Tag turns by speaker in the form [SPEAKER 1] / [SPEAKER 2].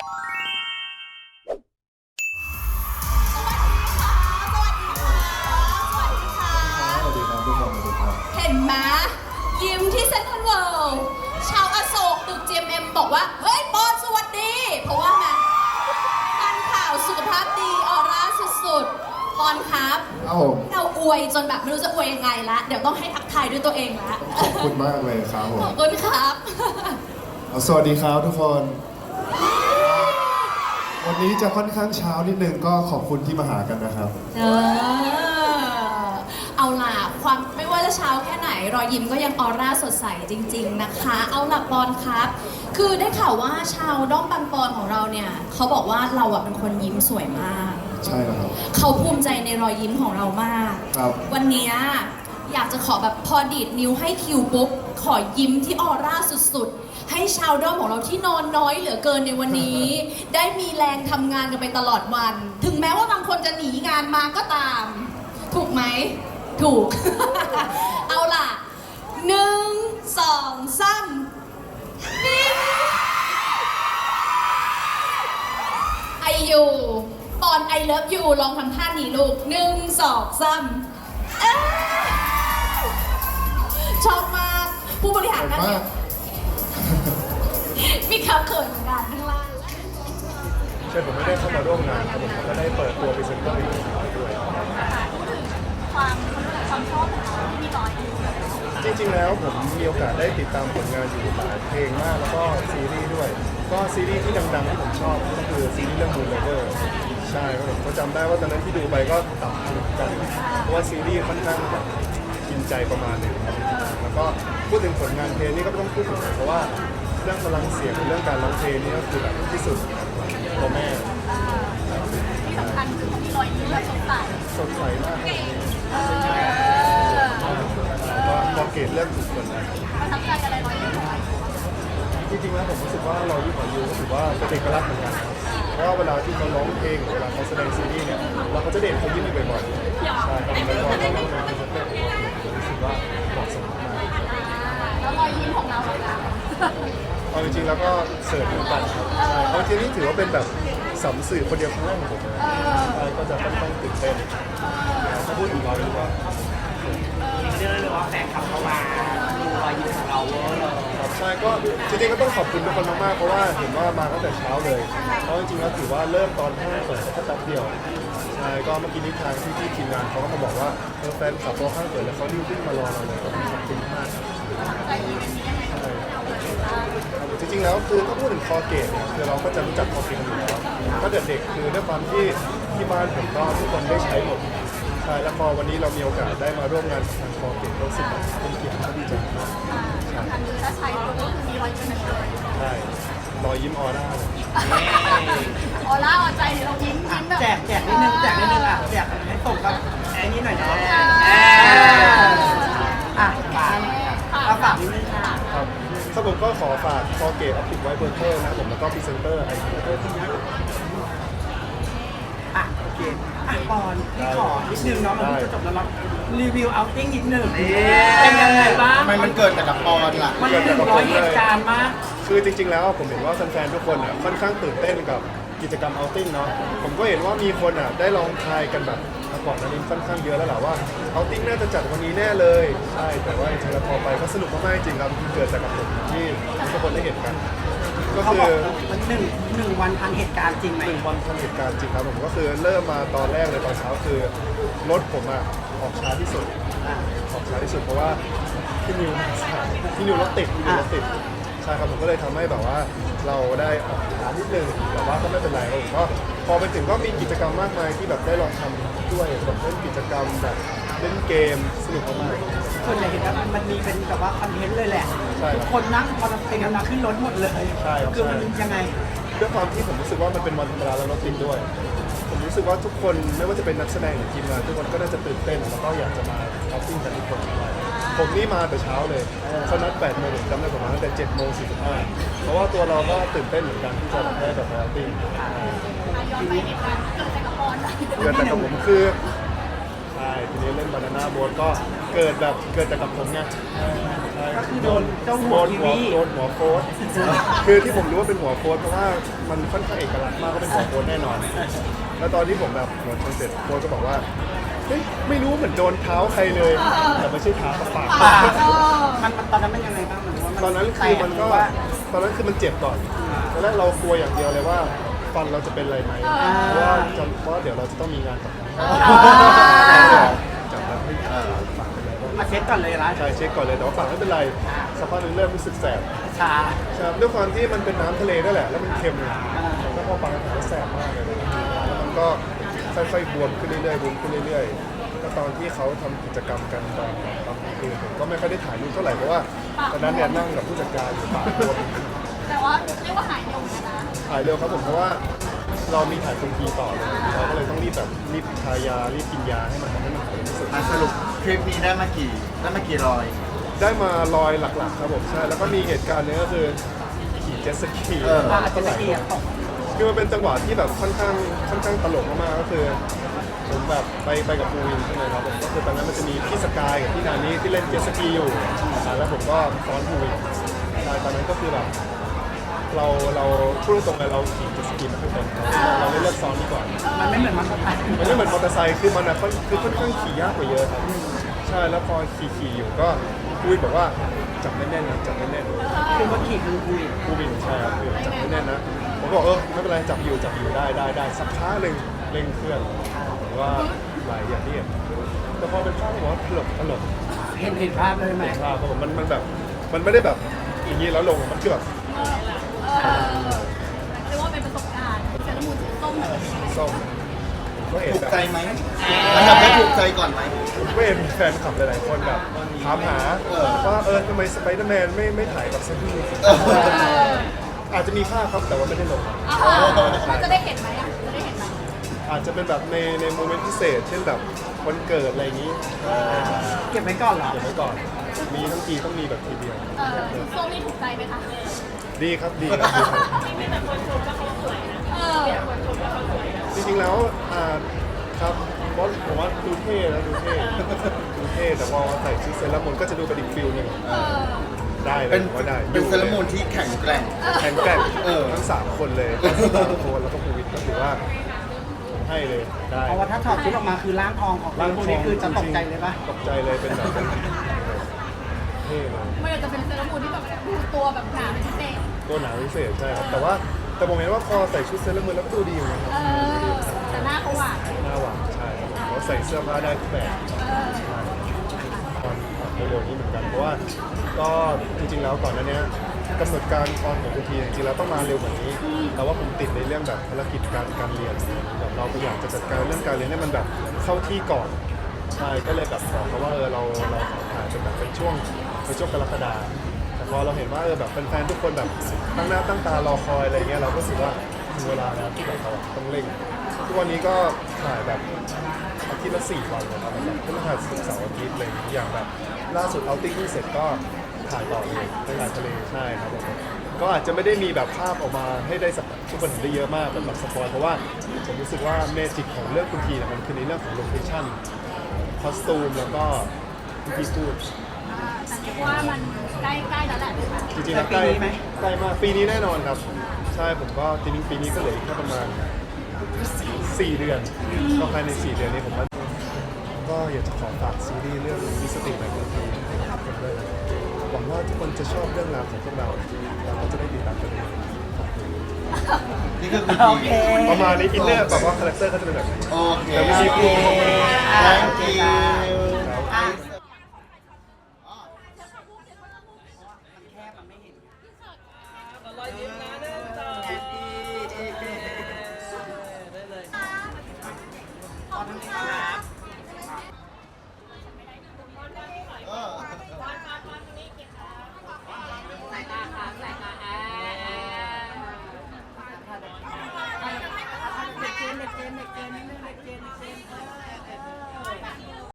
[SPEAKER 1] เห็นไหมยิ้มที่เซ็นทรัลเวิลด์ชาวอโศกตึก GMM บอกว่าเฮ้ยปอนสวัสดีเพราะว่าไงการข่าวสุขภาพดีออร่าสุดๆปอนครับเราอวยจนแบบไม่รู้จะอวยยังไงละเดี๋ยวต้องให้ทักทายด้วยตัวเองละ
[SPEAKER 2] ขอบคุณมากเลยครับผม
[SPEAKER 1] ขอบคุณครับ
[SPEAKER 2] สวัสดีครับทุกคนวันนี้จะค่อนข้างเช้านิดนึงก็ขอบคุณที่มาหากันนะครับ
[SPEAKER 1] เอาล่ะความไม่ว่าจะเช้าแค่ไหนรอยยิ้มก็ยังออร่าสดใสจริงๆนะคะเอาล่ะปอนครับคือได้ข่าวว่าชาวด้อมปังปอนของเราเนี่ยเขาบอกว่าเราอะเป็นคนยิ้มสวยมาก
[SPEAKER 2] ใช่แล้วครับ
[SPEAKER 1] เขาภูมิใจในรอยยิ้มของเรามาก
[SPEAKER 2] ครับ
[SPEAKER 1] วันนี้อยากจะขอแบบพอดีดนิ้วให้คิวปุ๊บขอยิ้มที่ออร่าสุดๆให้ชาวด้อมของเราที่นอนน้อยเหลือเกินในวันนี้ได้มีแรงทำงานกันไปตลอดวันถึงแม้ว่าบางคนจะหนีงานมาก็ตามถูกไหมถูก เอาล่ะ1 2 3นิ่งไอยูปอนไอเลิฟยูลองทำท่านี้ลูก1 2 3ชอบมากผู้บริหารนั่นเนี่ยมีคำเขินเหมือนกันข้างล่าง
[SPEAKER 2] ใช่ผมไม่ได้เข้ามาร่วมงานครับผมก็ได้เปิดตัวพรีเซนเตอร์อีกด้วย
[SPEAKER 3] ความชอบของเราที่มีรอยอยู่
[SPEAKER 2] จริงๆแล้วผมมีโอกาสได้ติดตามผลงานอยู่หลายเพลงมากแล้วก็ซีรีส์ด้วยก็ซีรีส์ที่ดังๆที่ผมชอบก็คือซีรีส์เรื่อง Moon Lover ใช่ครับผมก็จำได้ว่าตอนนั้นที่ดูไปก็ตับถึงกันเพราะว่าซีรีส์ค่อนข้างแบบกินใจประมาณหนึงครับแล้วก็พูดถึงผลงานเพลงนี่ก็ต้องพูดถึงเพราะว่าเรื่องพลังเสียงเรื่องการร้องเพลงนี่ก็คือแบบที่สุดพ่อแม่
[SPEAKER 3] ที่สำคัญคือมีรอยยิ้มแบบสดใส
[SPEAKER 2] มากพอเกตเรื่องถูกคน
[SPEAKER 3] ประทับใจอะไรรอยยิ้ม
[SPEAKER 2] จริงๆแล้วผมรู้สึกว่าเราที่ขอยูรู้สึกว่าเป็นเอกลักษณ์เหมือนกันเพราะว่าเวลาที่เขาร้องเพลงเวลาเขาแสดงซีรีส์เนี่ยเราก็จะเด่นเขายิ้มบ่อยๆใช่ครับแล้วก็เราเล่นงานเป็นเรื่องรู้สึกว่าเหมาะสมมาก
[SPEAKER 3] แล้วรอยยิ้มของเราเลยนะ
[SPEAKER 2] เอาจริงๆแล้วก็เสิร์ฟเหมือนกันครับเพราะทีนี้ถือว่าเป็นแบบสัมสื่อคนเดียวครั้งแรกของผมก็จะค่อนข้างตื่นเต้นถ้าพูดอีกรอยยิ้มก็
[SPEAKER 4] เรียกได้ว่าแฟนคลับเข้ามาดูรอยยิ้มของเราเวอร์เลย
[SPEAKER 2] ใช่ก็จริงๆก็ต้องขอบคุณทุกคนมากๆเพราะว่าเห็นว่ามาตั้งแต่เช้าเลยเพราะจริงๆแล้วถือว่าเริ่มตอน5 เปิดแค่แป๊บเดียวใช่ก็เมื่อกี้นี้ทางที่ทีมงานเขาก็มาบอกว่าแฟนคลับพอ5 เปิดแล้วเขารีบวิ่งมารอเราเลยก็ขอบคุณมากจริงๆแล้วคือถ้าพูดถึงคอเกตเนี่ยคือเราก็จะรู้จักคอเกตอยู่แล้วก็เด็กๆคือด้วยความที่บ้านผมก็ทุกคนได้ใช้หมดใช่แล้วพอวันนี้เรามีโอกาสได้มาร่วมงานทางคอเกตรู้สึกเป็นเกียรติที่ดีใจมาก
[SPEAKER 3] สำคัญคือถ้าใช้ปุ๊บก็คือมีรอยยิ้มเลย
[SPEAKER 2] ใช่รอยยิ้มออร่า
[SPEAKER 3] ออร่าออใจเรายิ้มแบบ
[SPEAKER 4] แจกนิดนึงแจกให้ส่งกับแอนนี่หน่อยนะฝากนิดนึงค่ะ
[SPEAKER 2] ครับถ้าผมก็ขอฝากคอเกตออปติกไวท์เบอร์เกอร์นะผมแล้วก็พรีเซนเตอร์ไอทีด้วย
[SPEAKER 4] โอเคปอนพี่ขอนิดนึงเนาะมันจะจบแล้วเรารีวิวเอาติ้งนิดนึงเป็นยังไงบ้าง
[SPEAKER 2] ทำไมมันเกิดแต่กับปอนล่ะ
[SPEAKER 4] มัน100 เหตุการณ์มาก
[SPEAKER 2] คือจริงๆแล้วผมเห็นว่าแฟนๆทุกคนค่อนข้างตื่นเต้นกับกิจกรรมเอาติ้งเนาะผมก็เห็นว่ามีคนได้ลองทายกันแบบก่อนอันนี้ค่อนข้างเยอะแล้วแหละว่าเอาติ้งน่าจะจัดวันนี้แน่เลยใช่แต่ว่าจริงๆแล้วพอไปก็สนุกมากๆจริงครับเกิดจากกับผมที่ทุกคนได้เห็นกัน
[SPEAKER 4] ก็คือมันหนึ่งวันทันเหตุการณ์จริงไหม
[SPEAKER 2] 1 วันทันเหตุการณ์จริงครับผมก็คือเริ่มมาตอนแรกเลยตอนเช้าคือรถผมออกช้าที่สุดเพราะว่าพี่นิวรถติดใช่ครับผมก็เลยทำให้แบบว่าเราได้ออกช้านิดนึงแต่ว่าก็ไม่เป็นไรครับผมก็พอไปถึงก็มีกิจกรรมมากมายที่แบบได้ลองทำด้วยแบบเล่นกิจกรรมแบบเล่นเกมสนุกมาก
[SPEAKER 4] ส่วนใหญ่เห็นว่ามันมีเป็นแบบว่าคอนเทนต์เลยแหละทุกคนนั่งพอเป็นกันมาขึ้นรถหมดเลย
[SPEAKER 2] ใช่
[SPEAKER 4] คือมันยังไง
[SPEAKER 2] ด้วยความที่ผมรู้สึกว่ามันเป็นวันธรรมดาแล้วรถติดด้วยผมรู้สึกว่าทุกคนไม่ว่าจะเป็นนักแสดงหรือทีมงานทุกคนก็น่าจะตื่นเต้นแล้วก็อยากจะมาเอาติ้งกันทุกคนผมนี่มาแต่เช้าเลยเขานัด8 โมงผมจำได้ผมมาตั้งแต่7:45เพราะว่าตัวเราก็ตื่นเต้นเหมือนกันที่จะได้แบบเอาติ้ง
[SPEAKER 3] ย้อนไปเหตุการณ์เกิดจากกระปอน
[SPEAKER 2] เกิดจากกับผมคือใช่ทีนี้เล่นบานาน่าโบ๊ทก็เกิดจากกับผมไงใช่
[SPEAKER 4] ก็คือโดนเจ้าหัวทีวี
[SPEAKER 2] โดนหัวโค้ดคือที่ผมรู้ว่าเป็นหัวโค้ดเพราะว่ามันค่อนข้างเอกลักษณ์มากก็เป็นหัวโค้ดแน่นอน แล้วตอนที่ผมแบบหัวชนเสร็จโค้ดก็บอกว่าเฮ้ยไม่รู้เหมือนโดนเท้าใครเลยแต่ไม่ใช่เท้าปาก
[SPEAKER 4] มันตอนนั้นเป็นยังไงบ้างเหมือนว่า
[SPEAKER 2] ตอนนั้นคือมันก็ตอนนั้นคือมันเจ็บก่อนตอนแรกเรากลัวอย่างเดียวเลยว่าฟันเราจะเป็นอะไรไหมเพราะว่าเดี๋ยวเราจะต้องมีงานกับจับแล้วไม่ปากเป็นไร
[SPEAKER 4] มาเช็คก่อนเลยนะ
[SPEAKER 2] ใช่เช็คก่อนเลยแต่ว่าปากไม่เป็นไรสักพักหนึงเริ่มรู้สึกแสบ
[SPEAKER 4] ชา
[SPEAKER 2] ใช่ด้วยความที่มันเป็นน้ำทะเลนั่นแหละแล้วมันเค็มเลยแล้วพอปากมันก็แสบมากเลยแล้วมันก็ค่อยๆบวมขึ้นเรื่อยๆบวมขึ้นเรื่อยๆก็ตอนที่เขาทำกิจกรรมกันตอนคืนผมก็ไม่ค่อยได้ถ่ายรูปเท่าไหร่เพราะว่าตอนนั้นเนี่ยนั่งกับผู้จัดการอยู่ปากบวม
[SPEAKER 3] แต่ว่าเรียกว่าหายเร็วเหมือนกันนะ
[SPEAKER 2] ถ่ายเร็วครับผมเพราะว่าเรามีถ่ายคนทีต่อเลยเราก็เลยต้องรีบทายารีบกินยาให้มันทำให้มันหายที่สุด
[SPEAKER 5] สรุปคลิปนี้ได้มากี่รอย
[SPEAKER 2] ได้มาลอยหลักๆครับผมใช่แล้วก็มีเหตุการณ์หนึงก็คือขี่เจ็ตสกี
[SPEAKER 4] อาจจะละเอียดตก
[SPEAKER 2] คือมันเป็นจังหวะที่แบบค่อนข้างตลกมากๆก็คือผมแบบไปกับปูวินใช่ไหมครับผมก็คือตอนนั้นมันจะมีพี่สกายกับพี่นานี้ที่เล่นเจ็ตสกีอยู่แล้วผมก็ซ้อนปูวินใช่ตอนนั้นก็คือแบบเราพูดตรงๆเลยเราขี่เจ็ตสกีไม่ค่อยเป็นเราเลยเลือกซ้อนดีกว่า
[SPEAKER 4] มันไม่เหมือนมันสไตล์
[SPEAKER 2] มันไม่เหมือนมอเตอร์ไซค์คือมันอะคือค่อนข้างขี่ยากกว่าเยอะครับใช่แล้วพอขี่อยู่ก็ปูวินบอกว่าจับแน่นๆนะจับแน่นๆ
[SPEAKER 4] คือว่าขี่คือคุย
[SPEAKER 2] ผู้บินใช่ครับคือจับไม่แน่นนะผมบอกไม่เป็นไรจับอยู่ได้สักพักหนึ่งเร่งเครื่องผมว่าไหลอย่างที่เห็นแต่พอเป็นภาพผมว่าตลก
[SPEAKER 4] เห็นภาพเลยไหม
[SPEAKER 2] ภาพผมมันแบบมันไม่ได้แบบอย่างนี้แล้วลงมันคือแบบ
[SPEAKER 3] เรียกว่าเป็นประสบการณ์เซรามูนส้มแบบนี้
[SPEAKER 2] ส้มก็เห็น
[SPEAKER 5] ถูก
[SPEAKER 2] แบบ
[SPEAKER 5] ใจไหมอันดับได้ถูกใจก่อนไหม
[SPEAKER 2] ก็เห็นแฟนคลับหลายๆคนแบบถามหาว่าทำไมสไปเดอร์แมนไม่ถ่ายกับเซนต์อาจจะมีภาพครับแต่ว่าไม่ได้ลง
[SPEAKER 3] มันจะได้เห็นไหมอ่ะจะได้เห็นไหม
[SPEAKER 2] อาจจะเป็นแบบในโมเมนต์พิเศษ เช่นแบบวันเกิดอะไรอย่างนี้
[SPEAKER 4] เก็บไว้ก่อนเหรอ
[SPEAKER 2] เก็บไว้ก่อน มีทั้งทีต้องมีแบบทีเดียว
[SPEAKER 3] ส้มนี่ถูกใจไหมคะ
[SPEAKER 2] ดีครับดีครับจริงๆแล้วครับเพราะผมว่าดูเท่นะดูเท่แต่พอใส่ชุดเซเลอรามูนก็จะดูเป็นอีกฟิลหนึ่งได้เลย
[SPEAKER 5] เป็น
[SPEAKER 2] ว่าได้
[SPEAKER 5] เซเลอรามูนที่แข็งแกร่ง
[SPEAKER 2] แข็งแกร่งทั้ง3คนเลยทั้ง3คนแล้วก็ภูวิทย์ก็ถือว่าผมให้เลยได้
[SPEAKER 4] เพราะว่าถ้าถอดชุดออกมาคือร่างทองของพวกนี้คือจะตกใจเลยปะ
[SPEAKER 2] ตกใจเลยเป็นแบบเท่เลย
[SPEAKER 3] ไม่อยากจะเป็นเซรามูนที่แบบดูตัวแบบหนาเป็นพิเศษ
[SPEAKER 2] ตัวหนาพิเศษใช่ครับแต่ผมเห็นว่าพอใส่ชุดเซเลอรามูนแล้วก็ดูดีอยู่นะครับ
[SPEAKER 3] แต่หน้าเขาหวาน
[SPEAKER 2] หน้าหวานใช่ครับผมเขาใส่เสื้อผ้าได้ทุกแบบตอนเร็วๆนี้เหมือนกันเพราะว่าก็จริงๆแล้วก่อนหน้านี้กำหนดการตอนของคุณทีจริงๆแล้วต้องมาเร็วกว่านี้แต่ว่าผมติดในเรื่องแบบภารกิจการเรียนแบบเราก็อยากจะจัดการเรื่องการเรียนให้มันแบบเข้าที่ก่อนใช่ก็เลยแบบบอกเขาว่าเราขอถ่ายเป็นแบบเป็นช่วงกรกฎาคมแต่พอเราเห็นว่าแบบแฟนๆทุกคนแบบตั้งหน้าตั้งตารอคอยอะไรเงี้ยเราก็รู้สึกว่าถึงเวลาแล้วที่แบบเราต้องเร่งทุกวันนี้ก็ถ่ายแบบอาทิตย์ละ4 วันนะครับแบบพฤหัสศุกร์เสาร์อาทิตย์อะไรอย่างแบบล่าสุดเอาติ้งที่เสร็จก็ถ่ายต่อเลยไปถ่ายทะเลใช่ครับผมก็อาจจะไม่ได้มีแบบภาพออกมาให้ได้ทุกคนเห็นได้เยอะมากแบบสปอยเพราะว่าผมรู้สึกว่าเมจิกของเรื่องคุณทีเนี่ยมันคือในเรื่องของโลเคชั่นคอสตูมแล้วก็คุณทีพูด
[SPEAKER 3] แต่เรียกว่ามันใกล้ๆแล้วแหละใช่ไหม
[SPEAKER 2] จริงๆแล้วใกล้มากปีนี้แน่นอนครับใช่ผมก็จริงๆปีนี้ก็เหลืออีกแค่ประมาณ4 เดือนก็ภายใน4 เดือนนี้ผมว่าก็อยากจะขอฝากซีรีส์เรื่องมิสติกในคนทีนะครับผมด้วยนะหวังว่าทุกคนจะชอบเรื่องราวของพวกเราแล้วก็จะได้ติดตามกันด้วย
[SPEAKER 5] นี่คือคุณ
[SPEAKER 4] โอ
[SPEAKER 5] ที
[SPEAKER 4] เค
[SPEAKER 2] ประมาณนี้อินเนอร์แบบว่าคาแรคเตอร์เขาจะเป็นแบบนี้
[SPEAKER 5] โอเค
[SPEAKER 2] แล้วไม่ใช่พูด
[SPEAKER 5] thank you
[SPEAKER 4] เด็กเกนนิดนึงเด็กเกน